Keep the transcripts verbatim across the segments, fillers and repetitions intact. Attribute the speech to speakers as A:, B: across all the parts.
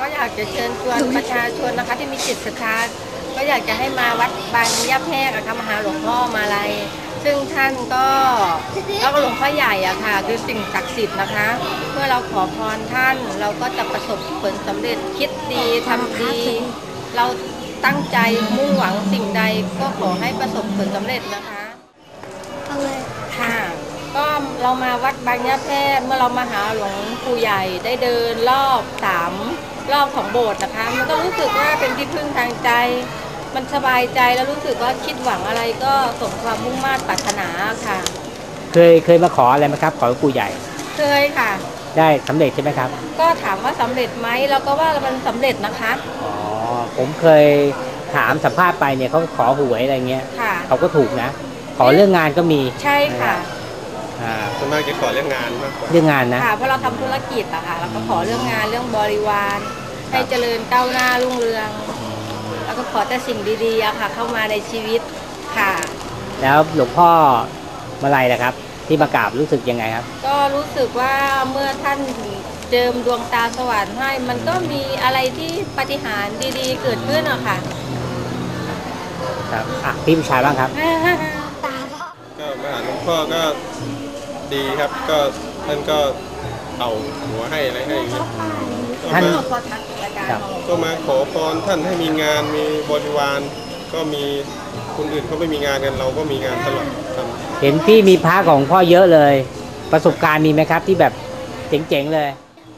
A: ก็อยากจะเชิญชวนประชาชนนะคะที่มีจิตศรัทธาก็อยากจะให้มาวัดบางย่าแพรกอะค่ะมาหาหลวงพ่อมาลัยซึ่งท่านก็แล้วก็หลวงพ่อใหญ่อะค่ะคือสิ่งศักดิ์สิทธิ์นะคะเมื่อเราขอพรท่านเราก็จะประสบผลสำเร็จคิดดีทำดีเราตั้งใจมุ่งหวังสิ่งใดก็ขอให้ประสบผลสำเร็จนะคะค่ะก็เรามาวัดบางย่าแพรกเมื่อเรามาหาหลวงปู่ใหญ่ได้เดินรอบสามรอบของโบสถ์นะคะมันก็รู้สึกว่าเป็นที่พึ่งทางใจมันสบายใจแล้วรู้สึกว่าคิดหวังอะไรก็สมความมุ่งมั่นปรารถนาค่ะ
B: เคยเคยมาขออะไรไหมครับขอหลวงปู่ใหญ่
A: เคยค่ะ
B: ได้สำเร็จใช่ไหมครับ
A: ก็ถามว่าสำเร็จไหมเราก็ว่ามันสำเร็จนะคะ
B: อ๋อผมเคยถามสัมภาษณ์ไปเนี่ยเขาขอหวยอะไรเงี้ยเขาก็ถูกนะขอเรื่องงานก็มี
A: ใช่ค่ะ
C: ส่วนมากจะขอเรื่องงานมากกว่า
B: เรื่องงานนะ
A: ค่ะเพราะเราทำธุรกิจอะค่ะเราก็ขอเรื่องงานเรื่องบริวารให้เจริญก้าวหน้ารุ่งเรืองแล้วก็ขอแต่สิ่งดีๆอะค่ะเข้ามาในชีวิตค่ะ
B: แล้วหลวงพ่อมาลัยนะครับที่มากราบรู้สึกยังไงครับ
A: ก็รู้สึกว่าเมื่อท่านเจิมดวงตาสว่างให้มันก็มีอะไรที่ปาฏิหาริย์ดีๆเกิดขึ้นอะค่ะ
B: ครับอ่ะพี่ผู้ชายบ้างครับ
C: ก็มาหาหลวงพ่อก็ดีครับก็ท่านก็เอาหัวให้อะไรให้
B: ท่าน
C: ก็มาขอพรท่านให้มีงานมีบริวารก็มีคนอื่นเขาไม่มีงานกันเราก็มีงานตลอด
B: เห็นพี่มีพระของพ่อเยอะเลยประสบการณ์มีไหมครับที่แบบเจ๋งๆเลย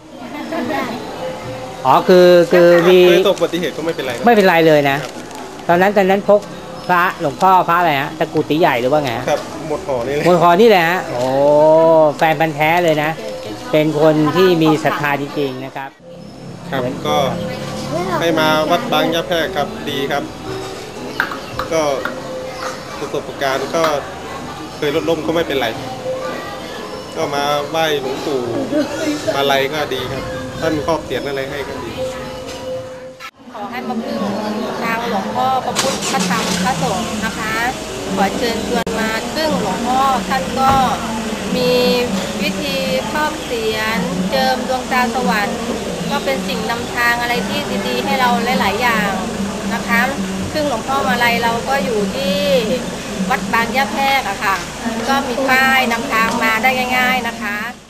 B: อ๋อคือคือมี
C: เคยตกอุบัติเหตุก็ไม่เป็นไร
B: ไม่เป็นไรเลยนะตอนนั้นตอนนั้นพกพระหลวงพ่อพระอะไรฮะตะกุติใหญ่หรือว่าไง
C: ครับหมดห่อนี่เลย
B: หมดห่อนี่แหละฮะโอ้แฟนพันธุ์แท้เลยนะเป็นคนที่มีศรัทธาจริงๆนะครับ
C: ครับก็ให้มาวัดบางย่าแพรกครับดีครับก็ประสบการณ์ก็เคยรถล้มก็ไม่เป็นไรก็มาไหว้หลวงปู่มาลัยก็ดีครับท่านครอบเสียรอะไรให้ก็ดี
A: ขอให้มาพึ่งทางหลวงพ่อพระพุทธพระธรรมพระสงฆ์นะคะขอเชิญชวนมาซึ่งหลวงพ่อท่านก็มีวิธีครอบเสียรเจิมดวงตาสวรรค์ก็เป็นสิ่งนำทางอะไรที่ดีๆให้เราหลายๆอย่างนะคะซึ่งหลวงพ่อมาลัยเราก็อยู่ที่วัดบางย่าแพรกอะค่ะก็มีป้ายนำทางมาได้ง่ายๆนะคะ